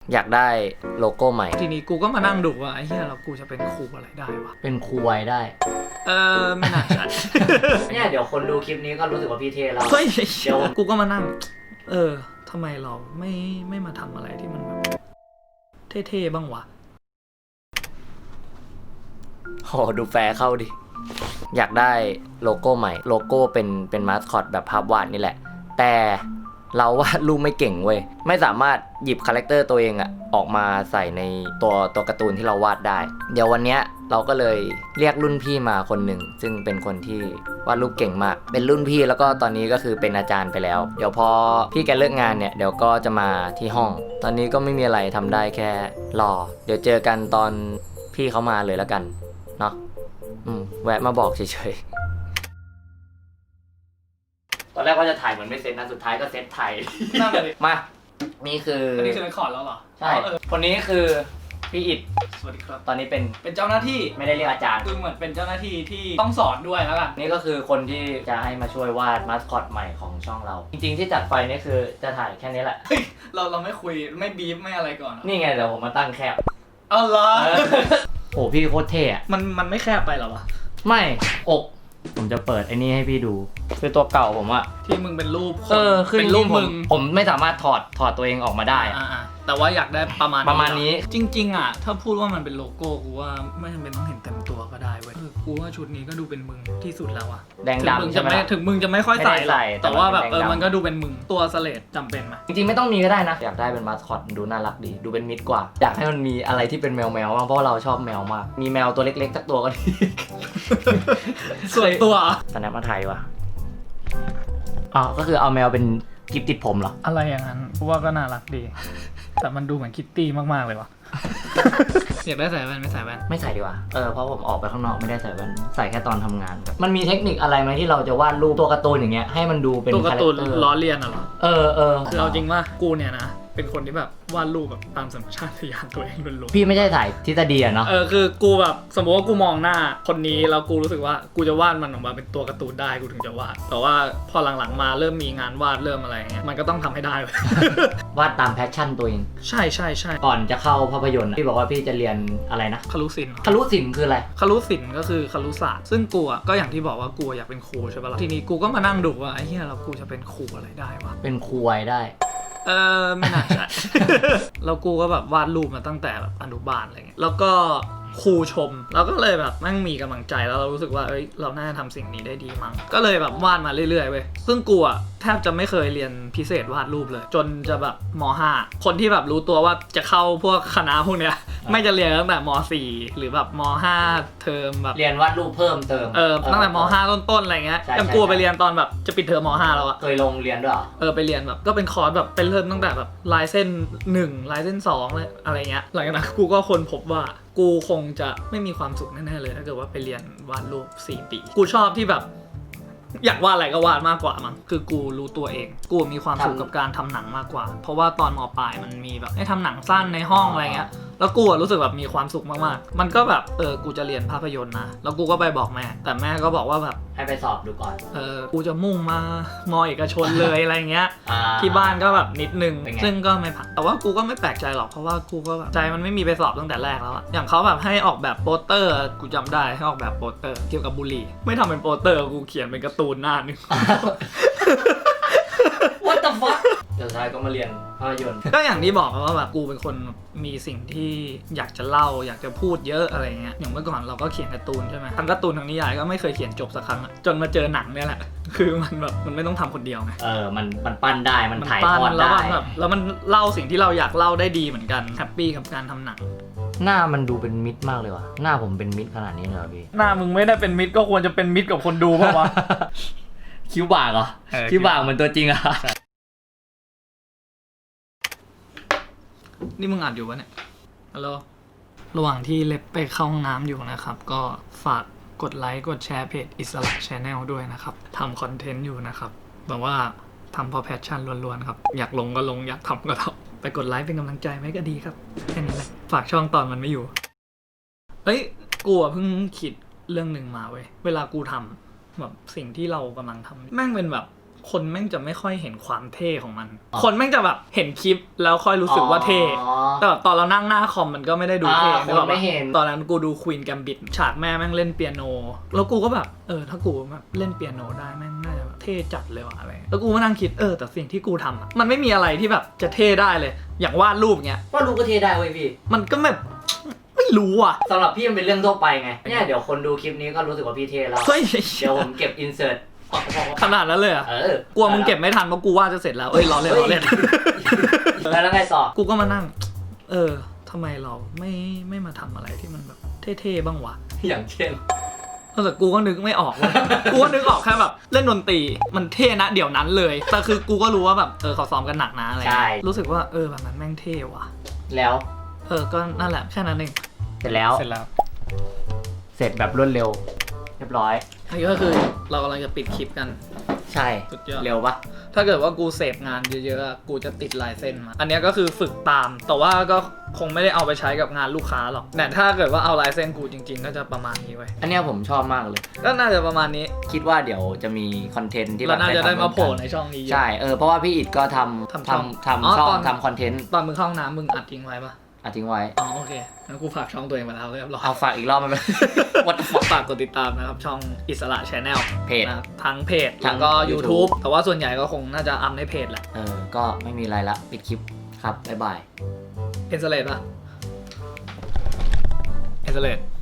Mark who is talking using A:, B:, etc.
A: อยากได้โลโก้ใหม่
B: ทีนี้กูก็มานั่งดูว่าไอ้เหี้ยเรากูจะเป็นครูอะไรได้วะ
A: เป็นครูไว้ได้
B: ไม่น่าใช่
A: เนี่ยเดี๋ยวคนดูคลิปนี้ก็รู้สึกว่าพี่เทแล้ว
B: เฮ้ยเดี๋ยวกูก็มานั่งทำไมเราไม่มาทำอะไรที่มันแบบเท่ๆบ้างวะ
A: โหดูแฟร์เข้าดิอยากได้โลโก้ใหม่โลโก้เป็นมาสคอตแบบภาพวาดนี่แหละแต่เราวาดรูปไม่เก่งเว้ยไม่สามารถหยิบคาแรคเตอร์ตัวเองอะออกมาใส่ในตัวการ์ตูนที่เราวาดได้เดี๋ยววันเนี้ยเราก็เลยเรียกรุ่นพี่มาคนหนึ่งซึ่งเป็นคนที่วาดรูปเก่งมากเป็นรุ่นพี่แล้วก็ตอนนี้ก็คือเป็นอาจารย์ไปแล้วเดี๋ยวพอพี่แกเลิกงานเนี่ยเดี๋ยวก็จะมาที่ห้องตอนนี้ก็ไม่มีอะไรทำได้แค่รอเดี๋ยวเจอกันตอนพี่เขามาเลยแล้วกันเนาะแวะมาบอกเฉยๆตอนแรกว่าจะถ่ายเหมือนไม่เซ็ตนะสุดท้ายก็เซ็ตถ่าย
B: นั่นเลย
A: มานี่คือ
B: อันนี้คือเรคคอร์ดแล้วเหรอ
A: ใช่คนนี้คือพี่อิฐ
B: สวัสดีครับ
A: ตอนนี้
B: เป็นเจ้าหน้าที่
A: ไม่ได้เรียกอาจารย์
B: คือเหมือนเป็นเจ้าหน้าที่ที่ต้องสอนด้วยแล้วกัน
A: นี่ก็คือคนที่จะให้มาช่วยวาดมาสคอตใหม่ของช่องเราจริงๆที่จัดไฟนี่คือจะถ่ายแค่นี้แหละ
B: เราไม่คุยไม่บีฟไม่อะไรก่อน
A: นี่ไงเดี๋ยวผมมาตั้งแคบ
B: เอาเหรอ
A: โอ้พี่โคตรเท่อะ
B: มันไม่แคบไปหรอวะ
A: ไม่อกผมจะเปิดไอ้นี่ให้พี่ดูคือตัวเก่าผมอะ
B: ที่มึงเป็นรูป
A: คือเป็นรูปผมไม่สามารถถอดตัวเองออกมาได้
B: แต่ว่าอยากได้ประมาณ
A: นี้
B: จริงๆอะถ้าพูดว่ามันเป็นโลโก้กูว่าไม่จำเป็นต้องเห็นเต็มตัวก็ได้เว้ยกูว่าชุดนี้ก็ดูเป็นมึงที่สุดแล้วอะ
A: แดงดำใช่ไหม
B: ถึงมึงจะไม่ค่อยใส่แต่ว่าแบบมันก็ดูเป็นมึงตัวสเลดจำเป็นไหม
A: จริงๆไม่ต้องมีก็ได้นะอยากได้เป็นมาสคอตดูน่ารักดีดูเป็นมิตรกว่าอยากให้มันมีอะไรที่เป็นแมวบ้างเพราะเราชอบแมวมากมีแมวตัวเล็กๆสักตัวก็ดี
B: ส่วนตัว
A: สแนปมาไทยว่ะก็คือเอาแมวเป็นกิฟติดผมเหรอ
B: อะไรอย่างนั้นว่าก็น่ารักดีแต่มันดูเหมือนคิตตี้มากๆเลยวะอยากได้ใส่แว่นไม่ใส่แว่น
A: ไม่ใส่ดีกว่าเพราะผมออกไปข้างนอกไม่ได้ใส่แว่นใส่แค่ตอนทำงานมันมีเทคนิคอะไรไหมที่เราจะวาดรูปตัวการ์ตูนอย่างเงี้ยให้มันดูเป็น
B: ตัวการ์ตูนล้อเลียนเหรอคือเอาจริงว่ากูเนี่ยนะเป็นคนที่แบบวาดรูปแบบตามสัญชาตญาณตัวเองล้วน
A: ๆพี่ไม่ใช่ถ่ายทฤษฎีอะเนาะ
B: คือกูแบบสมมติว่ากูมองหน้าคนนี้แล้วกูรู้สึกว่ากูจะวาดมันออกมาเป็นตัวการ์ตูนได้กูถึงจะวาดแต่ว่าพอหลังๆมาเริ่มมีงานวาดเริ่มอะไรเงี้ยมันก็ต้องทำให้ได้เล
A: ยวาดตามแพชชั่นตัวเอง
B: ใช่
A: ก่อนจะเข้าภาพยนตร์พี่บอกว่าพี่จะเรียนอะไรนะ
B: ครุศิลป์
A: คืออะไร
B: ครุศิลป์ก็คือครุศาสตร์ซึ่งกูก็อย่างที่บอกว่ากูอยากเป็นครูใช่ปะล่ะทีนี้กูก็มานั่งดูว่าไอ้เหี้ยเรากูจะเป็นครูอะไรได้วะ
A: เป็นครูไว้ได้
B: ไม่น่าใช่ แล้วกูก็แบบวาดรูปมาตั้งแต่แบบอนุบาลอะไรเงี้ยแล้วก็ครูชมเราก็เลยแบบมั่งมีกำลังใจแล้วเรารู้สึกว่าเราน่าจะทำสิ่งนี้ได้ดีมั้งก็เลยแบบวาดมาเรื่อยๆเว้ยซึ่งกูแทบจะไม่เคยเรียนพิเศษวาดรูปเลยจนจะแบบม.5 คนที่แบบรู้ตัวว่าจะเข้าพวกคณะพวกเนี้ยไม่จะเรียนตั้งแต่ม.4 หรือแบบม.5 เทอมแบบ
A: เรียนวาดรูปเพิ่มเติม
B: ตั้งแต่ม.5 ต้นๆอะไรเงี้ยยังกูไปเรียนตอนแบบจะปิดเทอมม.5 แล้ว
A: เคยลงเรียนด้วย
B: ไปเรียนแบบก็เป็นคอร์สแบบเป็นเริ่มตั้งแต่แบบลายเส้น1ลายเส้น2เลยอะไรเงี้ยหลังจากนั้นกูก็ค้นพบว่ากูคงจะไม่มีความสุขแน่ๆเลยถ้าเกิดว่าไปเรียนวาดรูป4 ปีกูชอบที่แบบอยากวาดอะไรก็วาดมากกว่ามั้งคือกูรู้ตัวเองกูมีความสุขกับการทำหนังมากกว่าเพราะว่าตอนม.ปลายมันมีแบบให้ทำหนังสั้นในห้องอะไรเงี้ยแล้วกูรู้สึกแบบมีความสุขมากๆมันก็แบบกูจะเรียนภาพยนตร์นะแล้วกูก็ไปบอกแม่แต่แม่ก็บอกว่าแบบ
A: ให้ไปสอบดูก่อน
B: กูจะมุ่งมามอเอกชนเลยอะไรเงี้ยที่บ้านก็แบบนิดนึงซึ่งก็ไม่ผ่านแต่ว่ากูก็ไม่แปลกใจหรอกเพราะว่ากูก็แบบใจมันไม่มีไปสอบตั้งแต่แรกแล้วอะอย่างเขาแบบให้ออกแบบโปสเตอร์กูจำได้ให้ออกแบบโปสเตอร์เกี่ยวกับบุหรี่ไม่ทำเป็นโปสเตอร์กูเขียนเป็นการ์ตูนหน้านึง
A: What the fuck สุดท้ายก็มาเรียนภาพยนตร์
B: ก็อย่างที่บอกว่าแบบกูเป็นคนมีสิ่งที่อยากจะเล่าอยากจะพูดเยอะอะไรเงี้ยอย่างเมื่อก่อนเราก็เขียนการ์ตูนใช่ไหมทั้งการ์ตูนทั้งนิยายก็ไม่เคยเขียนจบสักครั้งจนมาเจอหนังเนี่ยแหละคือมันแบบมันไม่ต้องทำคนเดียวไง
A: มันปั้นได้มันถ่ายทอดได้
B: แล้วมันเล่าสิ่งที่เราอยากเล่าได้ดีเหมือนกันแฮปปี้กับการทำหนัง
A: หน้ามันดูเป็นมิตรมากเลยว่ะหน้าผมเป็นมิตรขนาดนี้เลยพี่
B: หน้ามึงไม่ได้เป็นมิตรก็ควรจะเป็นมิตรกับคนดูป่ะวะ
A: คิ้วบากเหรอคิ้วบากเหมือนตัวจริงอะ
B: นี่มึงอัดอยู่ปะเนี่ยฮัลโหลระหว่างที่เล็บไปเข้าห้องน้ำอยู่นะครับก็ฝากกดไลค์กดแชร์เพจอิสระชาแนลด้วยนะครับทำคอนเทนต์อยู่นะครับแบบว่าทำเพราะแพชชั่นล้วนๆครับอยากลงก็ลงอยากทำก็ทำไปกดไลค์เป็นกำลังใจไหมก็ดีครับแค่นี้แหละฝากช่องตอนมันไม่อยู่กูเพิ่งคิดเรื่องหนึ่งมาเว้ยเวลากูทำแบบสิ่งที่เรากำลังทำแม่งเป็นแบบคนแม่งจะไม่ค่อยเห็นความเท่ของมัน คนแม่งจะแบบเห็นคลิปแล้วค่อยรู้สึกว่าเท่แต่แบบตอนเรานั่งหน้าคอมมันก็ไม่ได้ดูเท่
A: คนไม่เห็น
B: ตอนนั้นกูดูควีนแกมบิดฉากแม่งเล่นเปียโนแล้วกูก็แบบถ้ากูแบบเล่นเปียโนได้แม่งน่าจะเท่จัดเลยว่ะอะไรแล้วกูก็นั่งคิดแต่สิ่งที่กูทำอะมันไม่มีอะไรที่แบบจะเท่ได้เลยอย่างวาดรูปเงี้ยว
A: าดรูปก็เท่ได้เว้ยพี่
B: มันก็แบบไม่รู้อ่ะ
A: สำหรับพี่มันเป็นเรื่องทั่วไปไงเนี่ยเดี๋ยวคนดูคลิปนี้ก็รู้สึกว่าพี่เท่แล้ว
B: เฮ้ย
A: เดี๋ยวผมเก็บอินเสิร์ต
B: ขนาดนั้นเลยอ่ะกลัวมึงเก็บไม่ทันเพราะกูวาดจะเสร็จแล้วล้อเล่น
A: แล้วไงต่อ
B: กูก็มานั่งทำไมเราไม่มาทำอะไรที่มันแบบเท่ๆบ้างวะ
A: อย่างเช่น
B: แต่กูก็นึกไม่ออกเลย กูก็นึกออกแค่แบบเล่นดนตรีมันเท่นะเดี๋ยวนั้นเลยแต่คือกูก็รู้ว่าแบบเขาซ้อมกันหนักนะอะไรรู้สึกว่าแบบนั้นแม่งเท่ว่ะ
A: แล้ว
B: ก็นั่นแหละแค่นั้นเอง
A: เสร็จแล้วเสร็จแบบรวดเร็วเรียบร้อย
B: นี่ก็คือเรากำลังจะปิดคลิปกัน
A: ใช่เร็วปะ
B: ถ้าเกิดว่ากูเสพงานเยอะๆกูจะติดลายเส้นมาอันนี้ก็คือฝึกตามแต่ว่าก็คงไม่ได้เอาไปใช้กับงานลูกค้าหรอกแต่ถ้าเกิดว่าเอาลายเส้นกูจริงๆก็จะประมาณนี้ไว้
A: อันนี้ผมชอบมากเลย
B: ก็น่าจะประมาณนี้
A: คิดว่าเดี๋ยวจะมีคอนเทนต์ที่
B: เราน่าจะได้มาโผล่ในช่องนี้
A: ใช่เพราะว่าพี่อิดก็ทำช่องทำคอนเทนต์
B: ตอนมึงเข้าห้องน้ำมึงอัดทิ้งไว้ปะ
A: ทิ้งไว้
B: โอเคงั้นกูฝากช่องตัวเองมาแล้วเรียบร้อย
A: เอาฝากอีกรอบมัน
B: วัดฝากกดติดตามนะครับช่องอิสระ Channel
A: เพจ
B: ทั้งเพจแล้วก็ YouTube แต่ว่าส่วนใหญ่ก็คงน่าจะอัพในเพจแหละ
A: ก็ไม่มีอะไรละปิดคลิปครับบ๊ายบาย
B: เอ็นสเลดป่ะเอ็นสเลด